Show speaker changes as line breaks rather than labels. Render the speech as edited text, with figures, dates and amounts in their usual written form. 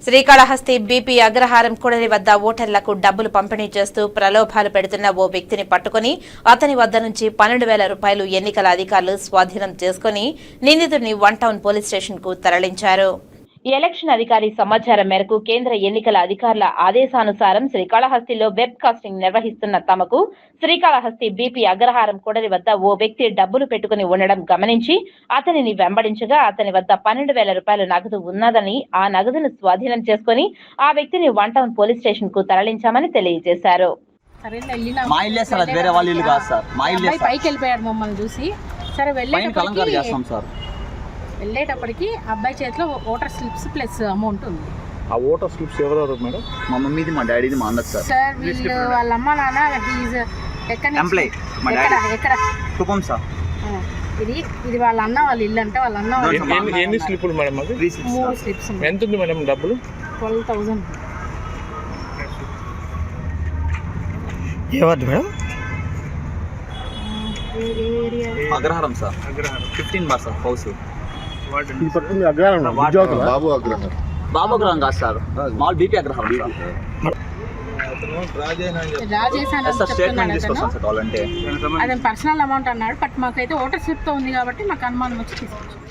Srikalahasti BP అగ్రహారం కూడలి వద్ద ఓటర్లకు డబ్బులు పంపిణీ చేస్తూ ప్రలోభాలు పెడుతున్న ఓ వ్యక్తిని పట్టుకుని అతని వద్ద నుంచి 12,000 రూపాయలు ఎన్నికల అధికారులు స్వాధీనం చేసుకుని నిందితుడిని 1 టౌన్ పోలీస్ స్టేషన్ కు తరలించారు. ఎలక్షన్ అధికారి సమాచారం మేరకు కేంద్ర ఎన్నికల అధికారుల ఆదేశానుసారం శ్రీకాళహస్తిలో వెబ్ కాస్టింగ్ నిర్వహిస్తున్న తమకు శ్రీకాళహస్తి బీపీ అగ్రహారం కూడలి వద్ద ఓ వ్యక్తి డబ్బులు పెట్టుకుని ఉండడం గమనించి అతనిని వెంబడించగా అతని వద్ద 12,000 రూపాయలు నగదు ఉన్నదని ఆ నగదును స్వాధీనం చేసుకుని ఆ వ్యక్తిని 1 టౌన్ పోలీస్ స్టేషన్ కు తరలించామని తెలియజేశారు.
వెళ్ళేటప్పటికి అబ్బాయి చేతిలో ఓటర్ స్లిప్స్ ప్లస్ అమౌంట్ ఉంది.
ఆ ఓటర్ స్లిప్స్ ఎవరెవరు మేడం?
మా మమ్మీది, మా డాడీది, మా అన్నది సార్.
సార్ వీళ్ళు వాళ్ళ అమ్మ నాన్న ఎక్కడ
కుప్పం సార్.
ఇది వాళ్ళ అన్న వాళ్ళ ఇల్లు అంటే వాళ్ళ అన్న
ఎన్ని స్లిప్పులు మేడం? అది
3 స్లిప్స్.
ఎంత ఉంది మేడం డబ్బులు?
12,000.
ఏవద్దు madam?
Agraharam sir. 15 bar sir house.
Babu Agraharam.
Babu Agraharam కాదు సార్, మాల్ బీపీ అగ్రహారం సార్. స్టేట్మెంట్ తీసుకొస్తాం సార్ కావాలంటే.
అదే పర్సనల్ అమౌంట్ అన్నాడు, బట్ మాకైతే ఓటర్ స్లిప్ తో ఉంది కాబట్టి మాకు అనుమానం వచ్చి తీసుకొచ్చాం.